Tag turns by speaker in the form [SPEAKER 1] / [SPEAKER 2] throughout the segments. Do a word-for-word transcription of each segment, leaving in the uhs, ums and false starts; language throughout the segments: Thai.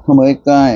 [SPEAKER 1] เข้ามาใกล้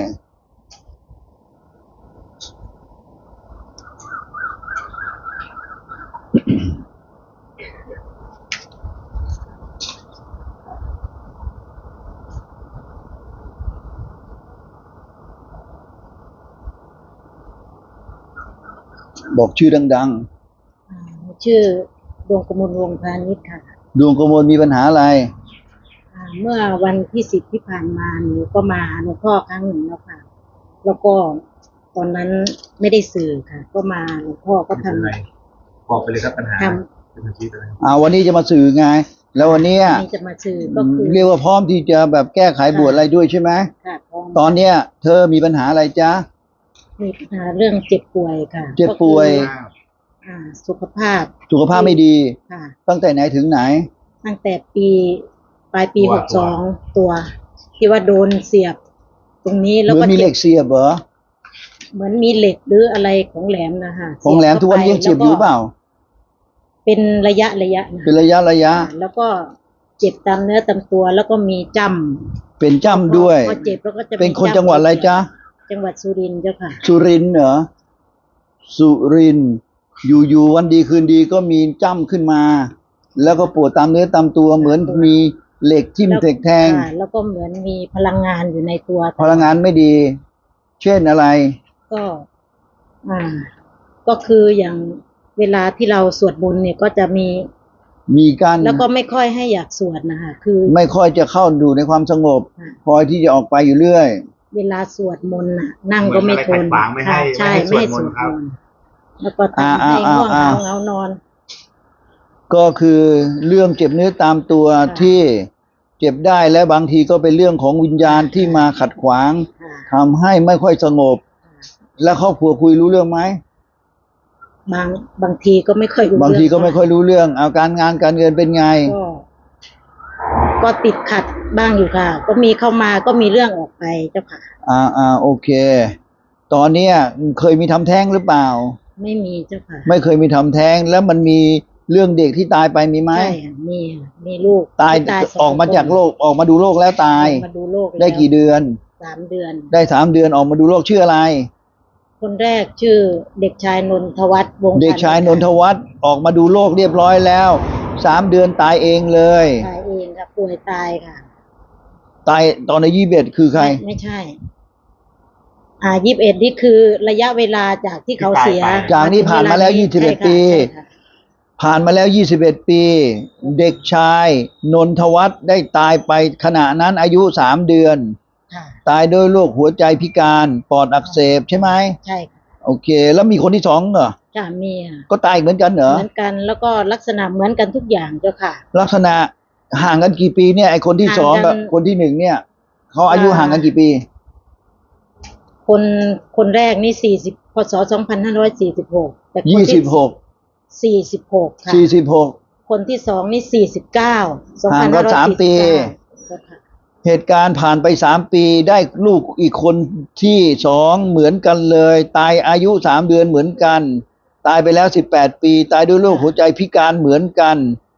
[SPEAKER 1] บอกชื่อดัง
[SPEAKER 2] ๆชื่อดวงกมลวงพาณิชย์ค่ะ
[SPEAKER 1] ดวงกมลมีปัญหาอะไร
[SPEAKER 2] เมื่อวันที่สิบที่ผ่านมาหนูก็มาหลวงพ่อครั้งหนึ่งแล้วค่ะแล้วก็ตอนนั้นไม่ได้สื่อค่ะก็มาหลวงพ่อก็ทำอะไร
[SPEAKER 3] บอกไปเลยครับปัญหาเป็นอาชีพอะไร
[SPEAKER 1] อ่าวันนี้จะมาสื่อไงแล้ววันนี้
[SPEAKER 2] จะมาสื่อก็คือ
[SPEAKER 1] เรียกว่าพร้อมที่จะแบบแก้ไขบวชอะไรด้วยใช่ไหม
[SPEAKER 2] ค่ะ
[SPEAKER 1] ตอนเนี้ยเธอมีปัญหาอะไรจ๊ะ
[SPEAKER 2] มีปัญหาเรื่องเจ็บป่วยค่ะ
[SPEAKER 1] เจ็บป่วย
[SPEAKER 2] อ่าสุขภาพ
[SPEAKER 1] สุขภาพไม่ดี
[SPEAKER 2] ค่ะ
[SPEAKER 1] ตั้งแต่ไหนถึงไหน
[SPEAKER 2] ตั้งแต่ปีปลายปีหกสองตัวที่ว่าโดนเสียบตรงนี้แล้วก็
[SPEAKER 1] มีเหล็กเสียบเหรอ
[SPEAKER 2] เหมือนมีเหล็กหรืออะไรของแหลมนะคะ
[SPEAKER 1] ของแหลมทุกวันยังเจ็บอยู่เปล่า
[SPEAKER 2] เป็นระยะระยะ
[SPEAKER 1] เป็นระยะระยะ
[SPEAKER 2] แล้วก็เจ็บตามเนื้อตามตัวแล้วก็มีจ้ำ
[SPEAKER 1] เป็นจ้ำด้วย
[SPEAKER 2] พอเจ็บแล้วก็จะ
[SPEAKER 1] เป็นคนจังหวัดอะไรจ๊ะ
[SPEAKER 2] จังหวัดสุรินทร์เจ้าค่ะ
[SPEAKER 1] สุรินทร์เหรอสุรินทร์อยู่ๆวันดีคืนดีก็มีจ้ำขึ้นมาแล้วก็ปวดตามเนื้อตามตัวเหมือนมีเหล็กทิ่มเหล็กแทง
[SPEAKER 2] แล้วก็เหมือนมีพลังงานอยู่ในตัว
[SPEAKER 1] พลังงานไม่ดีเช่นอะไร
[SPEAKER 2] ก็อ่าก็คืออย่างเวลาที่เราสวดมนต์เนี่ยก็จะมี
[SPEAKER 1] มีการ
[SPEAKER 2] แล้วก็ไม่ค่อยให้อยากสวดนะคะคือ
[SPEAKER 1] ไม่ค่อยจะเข้าดูในความสงบคอยที่จะออกไปอยู่เรื่อย
[SPEAKER 2] เวลาสวดมนต์น่ะนั่งก็ไม่ทนใช่ไม่ให้สวดมนต์แล้วก็ทำให้ง่วงเหงาเงานอน
[SPEAKER 1] ก็คือเรื่องเจ็บเนื้อตามตัวที่เจ็บได้และบางทีก็เป็นเรื่องของวิญญาณที่มาขัดขวางทำให้ไม่ค่อยสงบแล้วครอบครัวคุยรู้เรื่องไหม
[SPEAKER 2] บางบางทีก็ไม่ค่อยรู้
[SPEAKER 1] บางทีก็ไม่ค่อยรู้เรื่องเอาการงานการเงินเป็นไง
[SPEAKER 2] ก็ก็ติดขัดบ้างอยู่ค่ะก็มีเข้ามาก็มีเรื่องออกไปเจ้าค่ะ
[SPEAKER 1] อ่าอ่าโอเคตอนนี้เคยมีทำแท้งหรือเปล่า
[SPEAKER 2] ไม่มีเจ้าค่ะ
[SPEAKER 1] ไม่เคยมีทำแท้งแล้วมันมีเรื่องเด็กที่ตายไปมีไหม
[SPEAKER 2] ใช่มีมีลูก
[SPEAKER 1] ตายออกมาจากโลกออกมาดูโลกแล้วตาย
[SPEAKER 2] มาดูโลก
[SPEAKER 1] ได้กี่เดือน
[SPEAKER 2] สามเดือน
[SPEAKER 1] ได้สามเดือนออกมาดูโลกชื่ออะไร
[SPEAKER 2] คนแรกชื่อเด็กชายนนทวัฒน์วงศ์
[SPEAKER 1] เด็กชายนนทวัฒน์ออกมาดูโลกเรียบร้อยแล้วสามเดือนตายเองเลย
[SPEAKER 2] ตายเองค่ะป่วยตายค่ะ
[SPEAKER 1] ตายตอนในยี่สิบเอ็ดคือใคร
[SPEAKER 2] ไม่ใช่อ่ายี่สิบเอ็ดนี่คือระยะเวลาจากที่เขาเสีย
[SPEAKER 1] จากนี้ผ่านมาแล้วยี่สิบเอ็ดปีผ่านมาแล้วยี่สิบเอ็ดปีเด็กชายนนทวัฒน์ได้ตายไปขณะนั้นอายุสามเดือนตายด้วยโรคหัวใจพิการปอดอักเสบใช่ไหม
[SPEAKER 2] ใช่
[SPEAKER 1] โอเคแล้วมีคนที่สองเหรอ
[SPEAKER 2] จ้ะมี
[SPEAKER 1] ก็ตายเหมือนกันเหรอ
[SPEAKER 2] เหมือนกันแล้วก็ลักษณะเหมือนกันทุกอย่างเจ้าค่ะ
[SPEAKER 1] ลักษณะห่างกันกี่ปีเนี่ยไอคนที่สองกับคนที่หนึ่งเนี่ยเขาอายุห่างกันกี่ปี
[SPEAKER 2] คนคนแรกนี่สี่สิบพศสองพันห้าร้อยสี่สิบหก
[SPEAKER 1] แต่ยี่สิบหก
[SPEAKER 2] สี่สิบหกค่ะ
[SPEAKER 1] สี่สิบหก
[SPEAKER 2] คนที่สองนี่สี่สิบเก้า
[SPEAKER 1] ห่างกันสามปีเหตุการณ์ผ่านไปสามปีได้ลูกอีกคนที่สองเหมือนกันเลยตายอายุสามเดือนเหมือนกันตายไปแล้วสิบแปดปีตายด้วยโรคหัวใจพิการเหมือนกัน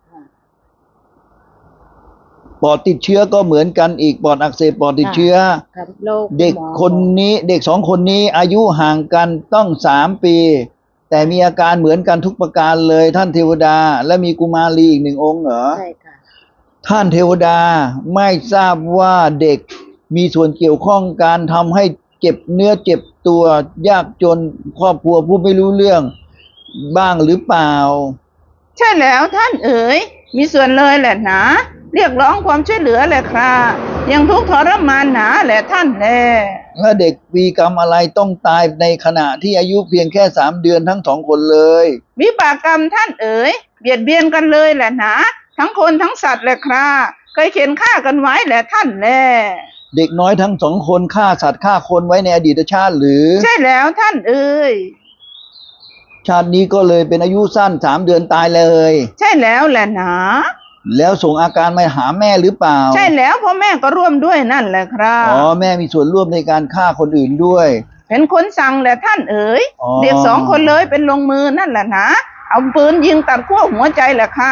[SPEAKER 1] ปอดติดเชื้อก็เหมือนกันอีกปอดอักเสบปอดติดเชื้อเด็กคนนี้เด็กสองคนนี้อายุห่างกันต้องสามปีแต่มีอาการเหมือนกันทุกประการเลยท่านเทวดาและมีกุมารีอีกหนึ่งองค์เหรอ
[SPEAKER 2] ใช่ค่ะ
[SPEAKER 1] ท่านเทวดาไม่ทราบว่าเด็กมีส่วนเกี่ยวข้องการทำให้เจ็บเนื้อเจ็บตัวยากจนครอบครัวผู้ไม่รู้เรื่องบ้างหรือเปล่า
[SPEAKER 4] ใช่แล้วท่านเอ๋ยมีส่วนเลยแหละนะเรียกร้องความช่วยเหลือแหละครับยังทุกข์ทรมานหนาแหละท่านแล
[SPEAKER 1] แล้วเด็กมีกรรมอะไรต้องตายในขณะที่อายุเพียงแค่สามเดือนทั้งสองคนเลย
[SPEAKER 4] วิบากกรรมท่านเอ๋ยเบียดเบียนกันเลยแหละนะทั้งคนทั้งสัตว์แหละครับเคยเขียนฆ่ากันไว้แหละท่านแล
[SPEAKER 1] เด็กน้อยทั้งสองคนฆ่าสัตว์ฆ่าคนไว้ในอดีตชาติหรือ
[SPEAKER 4] ใช่แล้วท่านเอ๋ย
[SPEAKER 1] ชาตินี้ก็เลยเป็นอายุสั้นสามเดือนตายเลย
[SPEAKER 4] ใช่แล้วแหละนะ
[SPEAKER 1] แล้วส่งอาการมาหาแม่หรือเปล่า
[SPEAKER 4] ใช่แล้วพ่อแม่ก็ร่วมด้วยนั่นแหละครับ
[SPEAKER 1] อ๋อแม่มีส่วนร่วมในการฆ่าคนอื่นด้วย
[SPEAKER 4] เป็นคนสั่งแหละท่านเอ๋ยเด็กสองคนเลยเป็นลงมือนั่นแหละนะเอาปืนยิงตัดขั้วหัวใจแหละค่ะ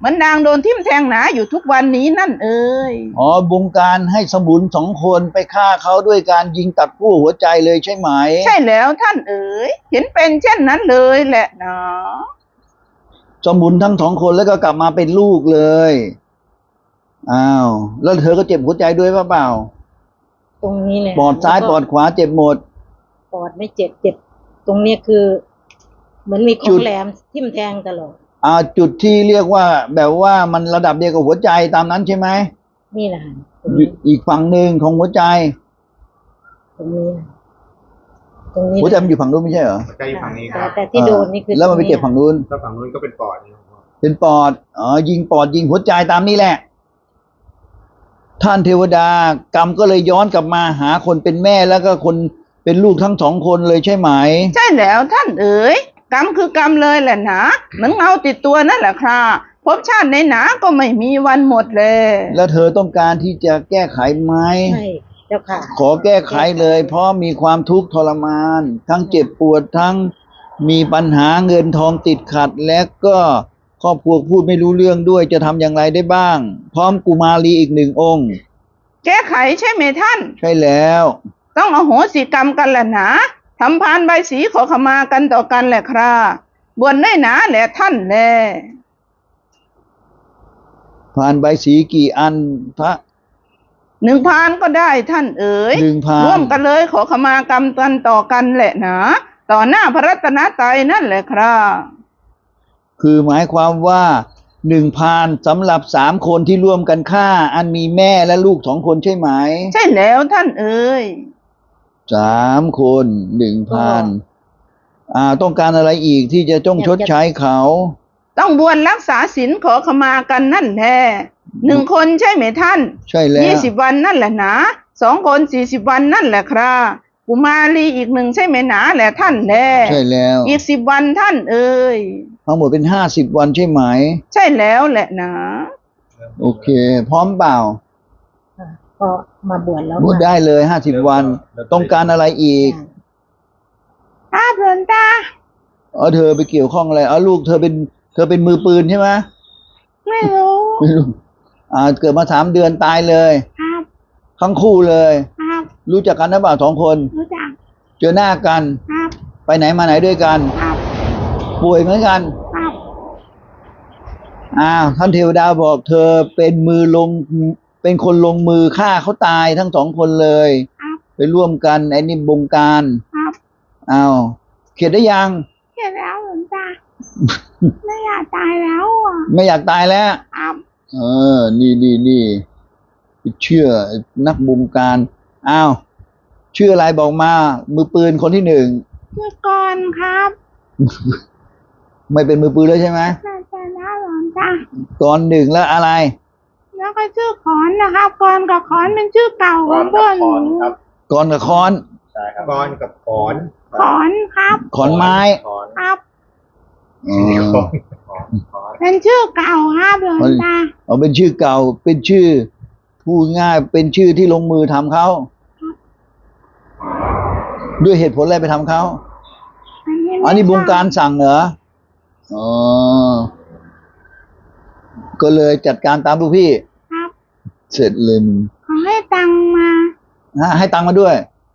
[SPEAKER 4] เหมือนนางโดนทิ่มแทงหนาอยู่ทุกวันนี้นั่นเอ่ย
[SPEAKER 1] อ๋อบงการให้สมุนสองคนไปฆ่าเขาด้วยการยิงตัดขั้วหัวใจเลยใช่ไหม
[SPEAKER 4] ใช่แล้วท่านเอ๋ยเห็นเป็นเช่นนั้นเลยแหละนะ
[SPEAKER 1] สมุนทั้งสองคนแล้วก็กลับมาเป็นลูกเลยอ้าวแล้วเธอก็เจ็บหัวใจด้วยเปล่า
[SPEAKER 2] ตรงนี้เลย
[SPEAKER 1] ปอดซ้าย
[SPEAKER 2] แล้ว
[SPEAKER 1] ป
[SPEAKER 2] ก็
[SPEAKER 1] อดขวาเจ็บหมด
[SPEAKER 2] ปอดไม่เจ็บเจ็บ ตรงเนี้ยคือ เหมือนมีข
[SPEAKER 1] จุ
[SPEAKER 2] อง
[SPEAKER 1] ด
[SPEAKER 2] แหลมทิ่มแทงตลอด
[SPEAKER 1] อ่าจุดที่เรียกว่าแบบว่ามันระดับเดียวกับหัวใจตามนั้นใช่ไหม
[SPEAKER 2] นี่แหละค่ะตรง
[SPEAKER 1] อยู่
[SPEAKER 2] นี้
[SPEAKER 1] อีกฝั่งหนึ่งของหัวใจ
[SPEAKER 2] ตรงนี้นะตรงนี้
[SPEAKER 1] หัวใจมันอยู่ฝั่งนู้นไม่ใช่เหรอ
[SPEAKER 3] หัวใจอยู่ฝั่งนี้ค
[SPEAKER 2] แต่
[SPEAKER 3] รับ
[SPEAKER 2] แต่ที่โดนนี่คือ
[SPEAKER 1] แล้วมันไป
[SPEAKER 2] ตรง
[SPEAKER 1] เจ็บฝั่งนู้น
[SPEAKER 3] ถ้าฝั่งนู้นก็เป็นปอดนี่ครับ
[SPEAKER 1] เป็นปอดอ๋อยิงปอดยิงหัวใจตามนี้แหละ ท่านเทวดากรรมก็เลยย้อนกลับมาหาคนเป็นแม่แล้วก็คนเป็นลูกทั้งสองคนเลยใช่ไหม
[SPEAKER 4] ใช่แล้วท่านเอ๋ยกรรมคือกรรมเลยแหละนะเหมือนเงาติดตัวนั่นแหละครับภพชาติในหนาก็ไม่มีวันหมดเลย
[SPEAKER 1] แล้วเธอต้องการที่จะแก้ไขไหม
[SPEAKER 2] ใช่เจ้าค่ะ
[SPEAKER 1] ขอแก้ไขเลย เพราะมีความทุกข์ทรมาน ทั้งเจ็บปวดทั้งมีปัญหาเงินทองติดขัด และก็ครอบครัวพูดไม่รู้เรื่องด้วยจะทำอย่างไรได้บ้าง พร้อมกุมารีอีกหนึ่งองค์
[SPEAKER 4] แก้ไขใช่ไหมท่าน
[SPEAKER 1] ใช่แล้ว
[SPEAKER 4] ต้องอโหสิกรรมกันแหละนะทำพานใบสีขอขมากันต่อกันแหละครับบวชได้หนาแหละท่านแล
[SPEAKER 1] ผ่านใบสีกี่อันพระ
[SPEAKER 4] หนึ่งพานก็ได้ท่านเอ๋ย
[SPEAKER 1] หนึ่งพาน
[SPEAKER 4] ร่วมกันเลยขอขมากรรมกันต่อกันแหละนะต่อหน้าพระรัตนตรัยนั่นแหละครับ
[SPEAKER 1] คือหมายความว่าหนึ่งพานสำหรับสามคนที่ร่วมกันฆ่า อันมีแม่และลูกสองคนใช่ไหม
[SPEAKER 4] ใช่แล้วท่านเอ๋ย
[SPEAKER 1] สามคนหนึ่งพาน อ่าต้องการอะไรอีกที่จะต้องชดใช้เขา
[SPEAKER 4] ต้องบวชรักษาศีลขอขมากันนั่นแท้หนึ่งคนใช่ไหมท่าน
[SPEAKER 1] ใช่แล้ว
[SPEAKER 4] ยี่สิบวันนั่นแหละนะสองคนสี่สิบวันนั่นแหละครับกุมารีอีกหนึ่งใช่ไหมหนาแหละท่านแล
[SPEAKER 1] ใช่แล้ว
[SPEAKER 4] อีกสิบวันท่านเอ๋ย
[SPEAKER 1] ทั้งหมดเป็นห้าสิบวันใช่ไหม
[SPEAKER 4] ใช่แล้วแหละนะ
[SPEAKER 1] โอเค พร้อมเปล่า
[SPEAKER 2] ค่ะก็มาบวชแล้ว
[SPEAKER 1] พูดได้เลยห้าสิบวัน ต้องการอะไรอีก
[SPEAKER 2] ค่ะ
[SPEAKER 4] ครับหลวงตา
[SPEAKER 1] เออเธอไปเกี่ยวข้องอะไรเออลูกเธอเป็นเธอเป็นมือปืนใช่ไหม
[SPEAKER 4] ไม่รู้
[SPEAKER 1] ไม่รู้อ่าเกิดมาสามเดือนตายเลย
[SPEAKER 4] ครับ
[SPEAKER 1] ทั้งคู่เลย
[SPEAKER 4] ครับ
[SPEAKER 1] รู้จักกันหรือเปล่าสองคน
[SPEAKER 4] รู้จัก
[SPEAKER 1] เจอหน้ากัน
[SPEAKER 4] ครับ
[SPEAKER 1] ไปไหนมาไหนด้วยกัน
[SPEAKER 4] ครับ
[SPEAKER 1] ป่วยเหมือนกัน
[SPEAKER 4] ครับ
[SPEAKER 1] อ้าวท่านเทวดาบอกเธอเป็นมือลงเป็นคนลงมือฆ่าเขาตายทั้งสองคนเลย
[SPEAKER 4] ครับ
[SPEAKER 1] ไปร่วมกันไอ้นี่บงการ
[SPEAKER 4] ครับ
[SPEAKER 1] อ้าวเข็ดได้ยัง
[SPEAKER 4] เห็นแล้วหลวงตา ไม่อยากตายแล้วอ่ะ
[SPEAKER 1] ไม่อยากตายแล้ว
[SPEAKER 4] ครับ
[SPEAKER 1] เออ นี่นี่นี่เชื่อนักบงการ อ้าวชื่ออะไรบอกมา มือปืนคนที่หนึ่ง
[SPEAKER 4] ชื่อก่อนครับ
[SPEAKER 1] ไม่เป็นมือปืนแล้วใช่ไหม
[SPEAKER 4] น่าจะนะหลวงตา
[SPEAKER 1] ก่อนหนึ่งแล้วอะไร
[SPEAKER 4] แล้วก็ชื่อขอนนะครับกอนกับขอนเป็นชื่อเก่าของเพื่อนหนู
[SPEAKER 3] ครับ
[SPEAKER 1] ก่อนกับค้อน
[SPEAKER 3] ใช่ครับก้อนกับขอน
[SPEAKER 4] ขอนครับ
[SPEAKER 1] ขอนไม้
[SPEAKER 3] ขอน
[SPEAKER 4] ครับ
[SPEAKER 1] อ๋อ
[SPEAKER 3] ขอนขอนขอน
[SPEAKER 4] เป็นชื่อเก่าครับหลวงตา
[SPEAKER 1] เอาเป็นชื่อเก่า เป็นชื่อพูดง่ายเป็นชื่อที่ลงมือทำเขา ด้วยเหตุผลอะไรไปทำเขา
[SPEAKER 4] อันนี้
[SPEAKER 1] อันนี้บงการสั่งเหรอ อ๋อ ก็เลยจัดการตามลูกพี่
[SPEAKER 4] ครับ
[SPEAKER 1] เสร็จเลยมึง
[SPEAKER 4] ขอให้ตังค์มา
[SPEAKER 1] ฮะให้ตังค์มาด้วย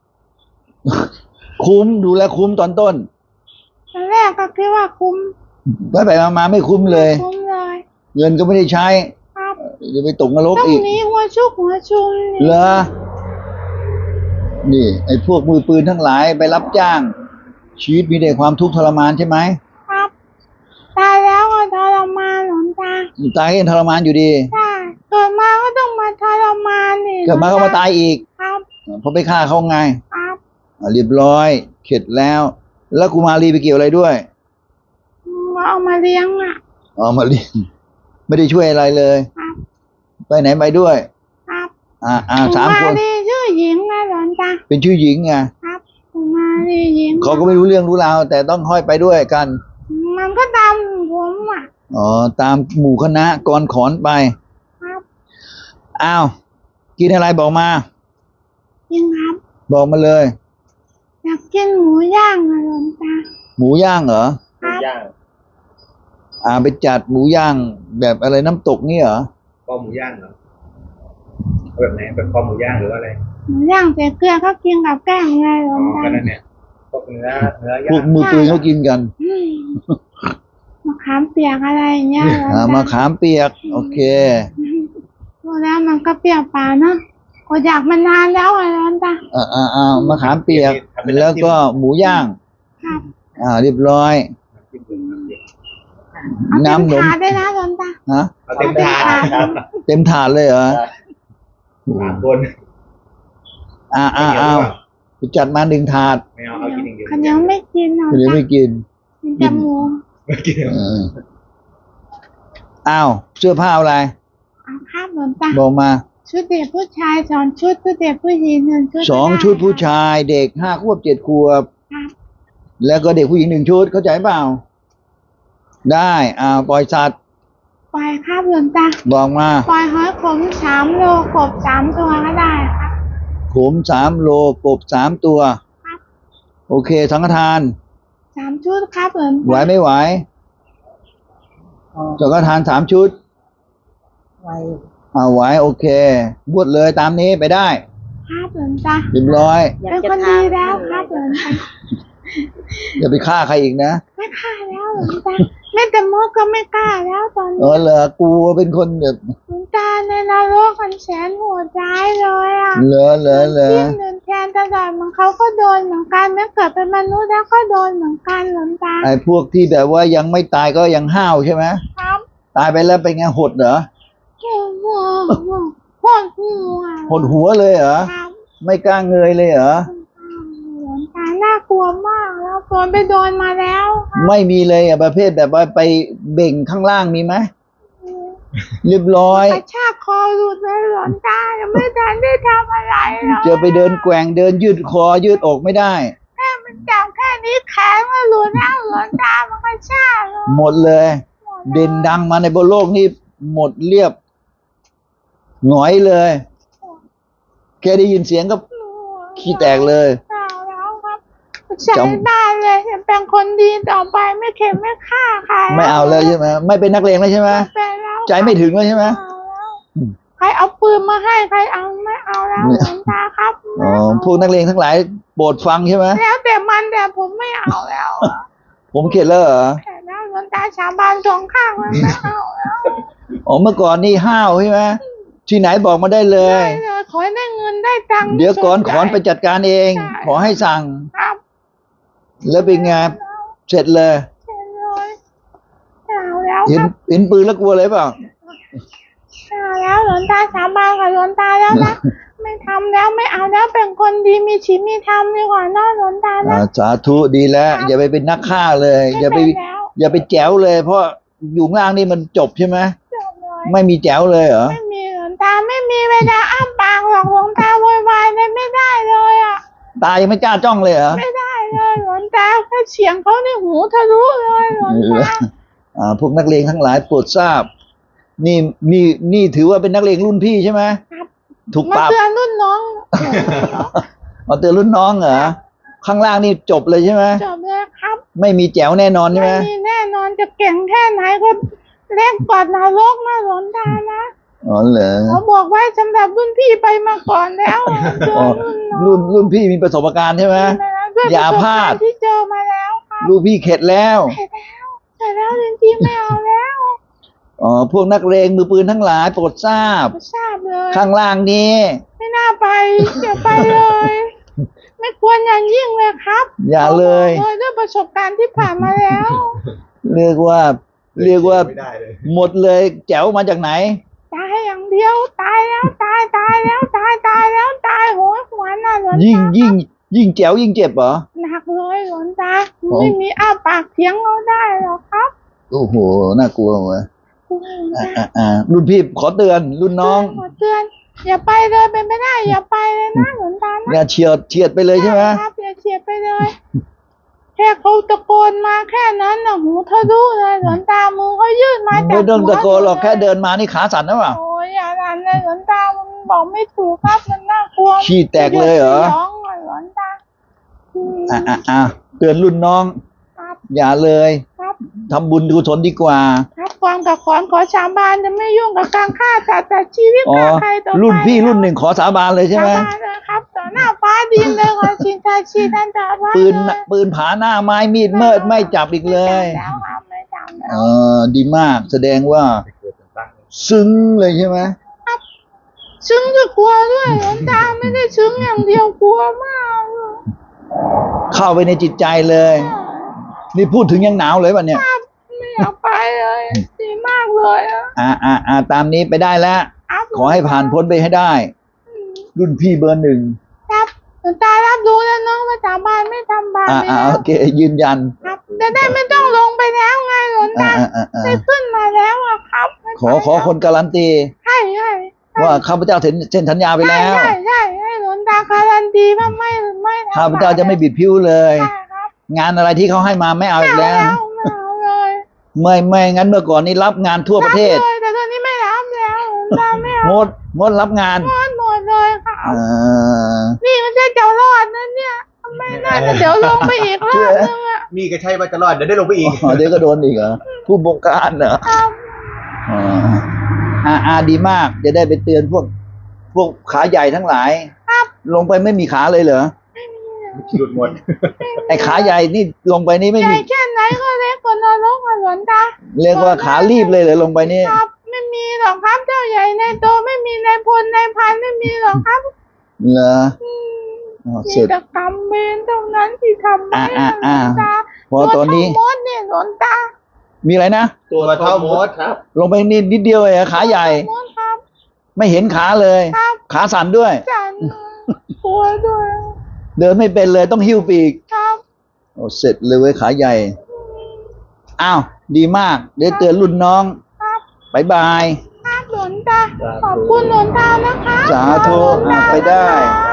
[SPEAKER 1] คุ้มดูแลคุ้มตอนต้น
[SPEAKER 4] ตอนแรกก็คิดว่าคุ้ม
[SPEAKER 1] ไปไปมามาไม่คุ้มเลย
[SPEAKER 4] คุ้มเลย
[SPEAKER 1] เงินก็ไม่ได้ใช้
[SPEAKER 4] ครับ
[SPEAKER 1] จะไปตกนรก
[SPEAKER 4] ต้อง
[SPEAKER 1] อีก
[SPEAKER 4] หนี้หัวชุกหัวชุม
[SPEAKER 1] เหรอ นี่ ไอ้พวกมือปืนทั้งหลายไปรับจ้าง ชีวิตมีแต่ความทุกข์ทรมานใช่ไหม
[SPEAKER 4] ครับตายแล้วก็ทรมานหลวงตา
[SPEAKER 1] ตายก็ยังทรมานอยู่ดี
[SPEAKER 4] ใช่เกิดมาก็ต้องมาทรมานนี่
[SPEAKER 1] เกิดมาก็มาตายอีก
[SPEAKER 4] ครับ
[SPEAKER 1] เพราะไปฆ่าเขาไง
[SPEAKER 4] ครับ
[SPEAKER 1] อ่ะเรียบร้อย เข็ดแล้ว แล้วกุมารีไปเกี่ยวอะไรด้วย
[SPEAKER 4] ก็เอามาเลี้ยงอ่ะ
[SPEAKER 1] อ๋อมาเรียนไม่ได้ช่วยอะไรเลย
[SPEAKER 4] ครับ
[SPEAKER 1] ไปไหนไปด้วย
[SPEAKER 4] ครับ
[SPEAKER 1] อ่าอ่าสามคน
[SPEAKER 4] กุรีชื่อหญิงนะหลวงตา
[SPEAKER 1] เป็นชื่อหญิงไง
[SPEAKER 4] ครับกุมารีหญิง
[SPEAKER 1] เขาก็ไม่รู้เรื่องรู้ราวแต่ต้องห้อยไปด้วยกัน
[SPEAKER 4] มันก็ตามผมอ่ะ
[SPEAKER 1] อ๋อตามหมู่คณะกรขอนไป
[SPEAKER 4] ครับ
[SPEAKER 1] อ้าวกินอะไรบอกมา
[SPEAKER 4] จริงครับ
[SPEAKER 1] บอกมาเลย
[SPEAKER 4] อยากกินหมูย่างอะหลวงตา
[SPEAKER 1] หมูย่างเหรอ
[SPEAKER 4] ครับ
[SPEAKER 3] ย่าง
[SPEAKER 1] อ่าไปจัดหมูย่างแบบอะไรน้ำตกนี่เหรอ
[SPEAKER 3] คอหมูย่างเหรอเอาแบบไหนแบบคอหมูย่างหรือว่าอะไร
[SPEAKER 5] หมูย่างใส่เกลือก็กินกับแกล้มไงหล
[SPEAKER 3] อ๋
[SPEAKER 5] ว
[SPEAKER 3] อง
[SPEAKER 5] ตา
[SPEAKER 3] ก็นั่นเนี่ยพวกเนื้อเนื้อ
[SPEAKER 1] พ
[SPEAKER 3] ย่าว
[SPEAKER 1] ก
[SPEAKER 3] ง
[SPEAKER 1] มือปืนเขากินกัน
[SPEAKER 5] อืมมะขามเปียกอะไรอย่างเงี้ยหลวง
[SPEAKER 1] อ่า
[SPEAKER 5] ตา
[SPEAKER 1] มาขามเปียก โอเค
[SPEAKER 5] ดูแล้วมันก็เปรี้ยวปากเนาะก็อยากมานานแล้วอะหลวงตา
[SPEAKER 1] อ่าอ่าอ่ามะขามเปียก แล้วก็หมูย่าง
[SPEAKER 5] ครับ
[SPEAKER 1] อ่าเรียบร้อย
[SPEAKER 3] น้ำจิ้มเหลืองน้ำจิ้ม
[SPEAKER 5] เอาเต็ม
[SPEAKER 1] น้ำหนม
[SPEAKER 5] ถาดได้นะหลวงตา
[SPEAKER 1] ฮะ
[SPEAKER 3] เอาเต็มถาดครับ
[SPEAKER 1] เต็มถาดเลยเหรอ
[SPEAKER 3] สามคน
[SPEAKER 1] อ่าอ่าอ่าไปจัดมาหนึ่งถาด
[SPEAKER 3] ไม่เอาเอากินอย่างเดียว
[SPEAKER 5] เขายังไม่กินหลวง
[SPEAKER 1] เดี๋ยว
[SPEAKER 5] ตา
[SPEAKER 1] ไม่กิน
[SPEAKER 5] กินแต่หมู
[SPEAKER 3] ไม่กิน
[SPEAKER 1] เอออ้าวเสื้อผ้าอะไร
[SPEAKER 5] เอาครับหลวงตา
[SPEAKER 1] บอกมา
[SPEAKER 5] ชุดเด็กผู้ชายสองชุดชุดเด็กผู้หญิงหนึ่งชุด
[SPEAKER 1] สอง
[SPEAKER 5] ก็ไ
[SPEAKER 1] ชุดผู้ชายเด็กห้าขวบเจ็ดขวบ
[SPEAKER 5] ครับ
[SPEAKER 1] แล้วก็เด็กผู้หญิงหนึ่งชุดเข้าใจเปล่า ได้อ่าปล่อยสัตว์
[SPEAKER 5] ปล่อยครับหลวงตา
[SPEAKER 1] บอกมา
[SPEAKER 5] ปล่อยหอยขมสามโลกบสามตัวก็ได้ครับ
[SPEAKER 1] ขมสามโลกบสามตัว
[SPEAKER 5] ครับ
[SPEAKER 1] โอเคสังฆทาน
[SPEAKER 5] สามชุดครับหลวง
[SPEAKER 1] ไหว
[SPEAKER 5] ตา
[SPEAKER 1] ไม่ไหว
[SPEAKER 2] อ๋อ
[SPEAKER 1] สังฆทานสามชุด
[SPEAKER 2] ไว
[SPEAKER 1] อ่าไหวโอเคบวชเลยตามนี้ไปได้
[SPEAKER 5] ครับหลวงตา
[SPEAKER 1] เรียบร้อย
[SPEAKER 2] อยาก
[SPEAKER 5] เป็น
[SPEAKER 2] จะ
[SPEAKER 5] คน
[SPEAKER 2] ถา
[SPEAKER 5] ดี
[SPEAKER 2] ม
[SPEAKER 5] แล้วครับหลวงตา
[SPEAKER 1] อย่าไปฆ่าใครอีกนะ
[SPEAKER 5] ไม่กล้าแล้วหลวงตาแม่แต่มดก็ไม่กล้าแล้วตอน
[SPEAKER 1] เอ
[SPEAKER 5] นี้
[SPEAKER 1] อเหรอกูเป็นคนแบบ
[SPEAKER 5] หลวงตาในนรกมันแสนโหดร้ายเลยอ่ะ
[SPEAKER 1] เหรอเหรอเหรอ
[SPEAKER 5] จิ้มเดินแทนตลอดเหมือนเขาก็โดนเหมือนกันแม้เกิดเป็นมนุษย์แล้วก็โดนเหมือนกันหลวงตา
[SPEAKER 1] ไอ้พวกที่แบบว่ายังไม่ตายก็ยังห้าวใช่ไหม
[SPEAKER 5] ครับ
[SPEAKER 1] ตายไปแล้วเป็นไงหดเหรอ
[SPEAKER 5] โอ้โหโหดหัว
[SPEAKER 1] หดหัวเลยเหรอ
[SPEAKER 5] ครับ
[SPEAKER 1] ไม่กล้าเงยเลยเหรอ
[SPEAKER 5] หลวงตาน่ากลัวมากแล้วโดนไปโดนมาแล้วครับ
[SPEAKER 1] ไม่มีเลยอ่ะประเภทแบบว่าไปเบ่งข้างล่างมีไหมเรียบร้อย
[SPEAKER 5] กระชากคอหลุดเลยหลวงตายังไม่ทันได้ทำอะไรเลย
[SPEAKER 1] เจอไปเดินแกว่งเดินยืดคอยืดอกไม่ได้
[SPEAKER 5] แค่มันจับแค่นี้แขนมันหลุดแล้วหลวงตามันกระชากเลย
[SPEAKER 1] หมดเลย เด่นดังมาในบนโลกนี่หมดเรียบหงอยเลยแค่ได้ยินเสียงก็ขี้แตกเลย
[SPEAKER 5] เอาแล้วครับใช้ได้เลยจะเป็นคนดีต่อไปไม่เข็มไม่ฆ่าใคร
[SPEAKER 1] ไม่เอาเลยใช่ไหมไม่เป็นนักเลงแล้วใช่ไหม
[SPEAKER 5] เป็นแล้ว
[SPEAKER 1] ใจไม่ถึงแล้วใช่ไหม
[SPEAKER 5] เอาแล้วใครเอาปืนมาให้ใครเอาไม่เอาแล้วหลวงตาครับ
[SPEAKER 1] อ๋อพวกนักเลงทั้งหลายโปรดฟังใช่ไหม
[SPEAKER 5] แล้วแต่มันแต่ผมไม่เอาแล้วอะ
[SPEAKER 1] ผมเข็ดแล้วเหรอ
[SPEAKER 5] แต่แล้วหลวงตาสาบานสองข้างมันไม่เอาแล้ว
[SPEAKER 1] อ๋อเมื่อก่อนนี่ห้าวใช่ไหมที่ไหนบอกมาได้เลย
[SPEAKER 5] ได้เลยขอให้ได้เงินได้ตังค์
[SPEAKER 1] เดี๋ยวก่อนขอนไป
[SPEAKER 5] สนใจ
[SPEAKER 1] จัดการเอง
[SPEAKER 5] ใช่
[SPEAKER 1] ขอให้สั่ง
[SPEAKER 5] ครับ
[SPEAKER 1] แล้วเป็นไงเสร็จเลย
[SPEAKER 5] เห็นเลยเอาแล้ว
[SPEAKER 1] เห็
[SPEAKER 5] คน รับ
[SPEAKER 1] เห็นปืนแล้วกลัวเลยเปล่า
[SPEAKER 5] เอาแล้วหลวงตาสาบานกับหลวงตาแล้วนะไม่ทำแล้วไม่เอาแล้วเป็นคนดีมีชีวิตมีธรรมดีกว่าเนอะหลวงตา
[SPEAKER 1] อ่า
[SPEAKER 5] นะ
[SPEAKER 1] สาธุดีแล้ว อย่าไปเป็นนักฆ่าเลย อย่าไป
[SPEAKER 5] ม่เป็นแล้ว
[SPEAKER 1] อย่าไปแจ๋วเลย เพราะอยู่ข้างล่างนี่มันจบใช่ไหม
[SPEAKER 5] จบเลย
[SPEAKER 1] ไม่มีแจ๋วเลยเหรอ
[SPEAKER 5] ไม่มีหลวงตาไม่มีเวลาอ้าปากหรอกหลวงตาโวยวายเลยไม่ได้เลยอ่ะ
[SPEAKER 1] ตายังไม่กล้าจ้องเลยเหรอ
[SPEAKER 5] ไม่ได้เลยหลวงตาแค่เสียงเขาในหูทะลุเลยหลวงตา
[SPEAKER 1] อ่าพวกนักเลงทั้งหลายโปรดทราบ นี่นี่นี่ถือว่าเป็นนักเลงรุ่นพี่ใช่ไหม
[SPEAKER 5] ครับ
[SPEAKER 1] ถูก
[SPEAKER 5] มา
[SPEAKER 1] ปรับ
[SPEAKER 5] เตือนรุ่นน้อง
[SPEAKER 1] เอาเตือนรุ่นน้องเหรอข้างล่างนี่จบเลยใช่ไหม
[SPEAKER 5] จบเลยครับ
[SPEAKER 1] ไม่มีแจ๋วแน่นอนใช่ไหม
[SPEAKER 5] ไม่มีแน่นอนจะเก่งแค่ไหนก็เล่นกอดนรกนะหลวงตานะ
[SPEAKER 1] อ๋อเหรอ
[SPEAKER 5] เขาบอกไว้สำหรับรุ่นพี่ไปมาก่อนแล้วเตือ
[SPEAKER 1] อ๋อน
[SPEAKER 5] รุ่นน้อง
[SPEAKER 1] รุ่นรุ่นพี่มีประสบการณ์ใช่ไหม
[SPEAKER 5] ด้วย
[SPEAKER 1] อย่า
[SPEAKER 5] ประสบ
[SPEAKER 1] พลาด
[SPEAKER 5] กรณ์ที่เจอมาแล้วครับ
[SPEAKER 1] ลูกพี่เข็ดแล้ว
[SPEAKER 5] เสร็จแล้วเสร็จแล้วจริงๆไม่เอาแล้ว
[SPEAKER 1] อ๋อพวกนักเลงมือปืนทั้งหลายโปรดทราบ
[SPEAKER 5] ไม่ทราบเลย
[SPEAKER 1] ข้างล่างนี้
[SPEAKER 5] ไม่น่าไปอย่าไปเลย ไม่ควรอย่างยิ่งเลยครับ
[SPEAKER 1] อย่าเลย
[SPEAKER 5] บอกเลยด้วยประสบการณ์ที่ผ่านมาแล้ว
[SPEAKER 1] เรียกว่า เรียกว่า
[SPEAKER 3] ไม่ได้เลย
[SPEAKER 1] หมดเลยแจ๋วมาจากไหน
[SPEAKER 5] ตายอย่างเดียวตายแล้วตายตายแล้วตายตายแล้วตายโหยหวนน่ะหลวง
[SPEAKER 1] ยิ่ง
[SPEAKER 5] ตา
[SPEAKER 1] ยิ่งยิ่งแจ๋วยิ่งเจ็บเหรอ
[SPEAKER 5] หนักเลยหลวงตา
[SPEAKER 1] อ๋อ
[SPEAKER 5] ไม่มีอ้าปากเถียงเราได้หรอกครับ
[SPEAKER 1] โอ้โหน่ากลัวเว้ย
[SPEAKER 5] หลวง
[SPEAKER 1] อ่า
[SPEAKER 5] ตา
[SPEAKER 1] อ่าอ่ารุ่นพี่ขอเตือน รุ่นน้อง
[SPEAKER 5] ขอเตือนอย่าไปเลยเป็นไม่ได้อย่าไปเลยนะหลวงตานะ
[SPEAKER 1] อย่าเฉียดเฉียดไปเลยใช่ไหม
[SPEAKER 5] ครับอย่าเฉียดไปเลย แค่เขาตะโกนมาแค่นั้นน่ะหูทะลุเลยหลวงตามือเขายื่นมาจาก
[SPEAKER 1] ไม่ต้องตะโกนหรอก
[SPEAKER 5] หัว
[SPEAKER 1] แค่เดินมานี่ขาสั่นนะเปล่า
[SPEAKER 5] โอ้ยอย่าดันเลยหลวงตามันบอกไม่ถูกครับมันน่ากลัว
[SPEAKER 1] ขี้แตกเลยเหรอ
[SPEAKER 5] ร้องอ่ะหลวงตาอืม
[SPEAKER 1] อ่าอ่าอ่าเตือนรุ่นน้อง
[SPEAKER 5] ครับ
[SPEAKER 1] อย่าเลย
[SPEAKER 5] ครับ
[SPEAKER 1] ทำบุญกุศลดีกว่า
[SPEAKER 5] ครับก่อนกับขอนขอสาบานจะไม่ยุ่งกับการฆ่าสัตว์ตัดชีวิต
[SPEAKER 1] อ๋อ
[SPEAKER 5] ฆ่าใครต่อไป
[SPEAKER 1] รุ่นพี่รุ่นหนึ่งขอสาบานเลยใช่ไหม
[SPEAKER 5] สาบานเลยครับต่อหน้าฟ้าดินเลยขอชินชาชีท่านตาว่า
[SPEAKER 1] ปืนปืนผาหน้าไม้มีดเมิดไม่จับอีกเลย
[SPEAKER 5] ไม่จำแล้วครับไม่จำแล้
[SPEAKER 1] เอ
[SPEAKER 5] ว
[SPEAKER 1] อดีมากแสดงว่า
[SPEAKER 3] ไปเกิดเป็นตั้ง
[SPEAKER 1] ซึ้งเลยใช่ไหม
[SPEAKER 5] ซึ้งก็กลัวด้วยหลวงตาไม่ได้ซึ้งอย่างเดียวกลัวมากเลย
[SPEAKER 1] เข้าไปในจิตใจเลย นี่พูดถึงยังหนาวเลยป่ะเนี่ย
[SPEAKER 5] ไม่อยากไปเลยดีมากเลยอะ
[SPEAKER 1] อ่าอ่าอ่าตามนี้ไปได้แล้ว
[SPEAKER 5] ครับ
[SPEAKER 1] ขอให้ผ่านพ้นไปให้ได้ รุ่นพี่เบอร์หนึ่ง
[SPEAKER 5] ครับหลวงตารับรู้แล้วเนาะว่าสาบานไม่ทำบาป
[SPEAKER 1] อ่า
[SPEAKER 5] ไม่
[SPEAKER 1] อ่า
[SPEAKER 5] นะ
[SPEAKER 1] โอเคยืนยัน
[SPEAKER 5] ครับจะได้ไม่ต้องลงไปแล้วไงหลวง
[SPEAKER 1] อ่า
[SPEAKER 5] ตา
[SPEAKER 1] อ่าอ่าอ่า
[SPEAKER 5] ได้ขึ้นมาแล้วอะครับไม่
[SPEAKER 1] ขอขอคนการันตี
[SPEAKER 5] ใช่ใช่
[SPEAKER 1] ว่าข้าพเจ้าเซ็นเซ็นสัญญาไปแล้ว
[SPEAKER 5] ใช่ใช่ให้หลวงตาการันตีว่าไม่ไม่ทำ
[SPEAKER 1] ข้าพเจ้าจะไม่บิดผิวเลย
[SPEAKER 5] ใช่ครับ
[SPEAKER 1] งานอะไรที่เขาให้มาไม่เอาอีก
[SPEAKER 5] ไม่
[SPEAKER 1] แล้ว
[SPEAKER 5] เอาไม่เอาเลย
[SPEAKER 1] ไม่ไม่งั้นเมื่อก่อนนี้รับงานทั่วประเทศ
[SPEAKER 5] บเลยแต่ตอนนี้ไม่รับแล้วหลวงตาไม่เอา
[SPEAKER 1] งดงดรับงาน
[SPEAKER 5] หมดหมดเลยค่ะ
[SPEAKER 1] อ่า
[SPEAKER 5] นี่ไม่ใช่เจ้ารอดนะเนี่ยไม่น่าจะเดี๋ยวลงไปอีกรอบนึงอะ
[SPEAKER 3] มีก็ใช่ว่าจะรอดเดี๋ยวได้ลงไปอีก
[SPEAKER 1] อ๋อเดี๋ยวก็โดนอีกเหรอผู้บงการเหรอ
[SPEAKER 5] ครับ
[SPEAKER 1] อ่าอ่าอ่าดีมาก จะได้ไปเตือนพวก พวกขาใหญ่ทั้งหลาย
[SPEAKER 5] ครับ
[SPEAKER 1] ลงไปไม่มีขาเลยเหรอ
[SPEAKER 5] ไม่มีอะ
[SPEAKER 3] หลุดหมด
[SPEAKER 1] ไอ้ขาใหญ่นี่ลงไปนี่ไม่
[SPEAKER 5] ใหญ่
[SPEAKER 1] มี
[SPEAKER 5] แค่ไหนก็เล็กกว่านรกอะหลวงตา
[SPEAKER 1] เรียกว่าขาลีบเลยเหรอลงไปนี่
[SPEAKER 5] ครับ ไม่มีหรอกครับเจ้าใหญ่ในโตไม่มีในพลในพันไม่มีหรอกครับ
[SPEAKER 1] เหรอ
[SPEAKER 5] อืม
[SPEAKER 1] อ๋อ
[SPEAKER 5] มี
[SPEAKER 1] เสร็จ
[SPEAKER 5] แต่กรรมเวรเท่านั้นที่ทำให้
[SPEAKER 1] อ่าอ่า
[SPEAKER 5] หลวงตา
[SPEAKER 1] พอตอนนี้
[SPEAKER 5] ตัวเท่ามดเนี่ยหลวงตา
[SPEAKER 1] มีอะไรนะ
[SPEAKER 3] ตัวเท่ามดครับ
[SPEAKER 1] ลงไปนิดนิดเดียวเองขาใหญ่
[SPEAKER 5] มดครับ
[SPEAKER 1] ไม่เห็นขาเลย
[SPEAKER 5] ครับ
[SPEAKER 1] ขาสั่นด้วย
[SPEAKER 5] จันกลัวด้วย
[SPEAKER 1] เดินไม่เป็นเลยต้องหิ้วปีก
[SPEAKER 5] ครับ
[SPEAKER 1] โอ้เสร็จเลยเว้ยขาใหญ่ อ้าว ดีมาก เดี๋ยวเตือนรุ่นน้อง
[SPEAKER 5] ครับ
[SPEAKER 1] บายบาย
[SPEAKER 5] ครับหลวงตาขอบคุณหลวงตานะคะ
[SPEAKER 1] สาธุ
[SPEAKER 5] ขอบคุณหลวงตา
[SPEAKER 1] ไปได้
[SPEAKER 5] นะคะ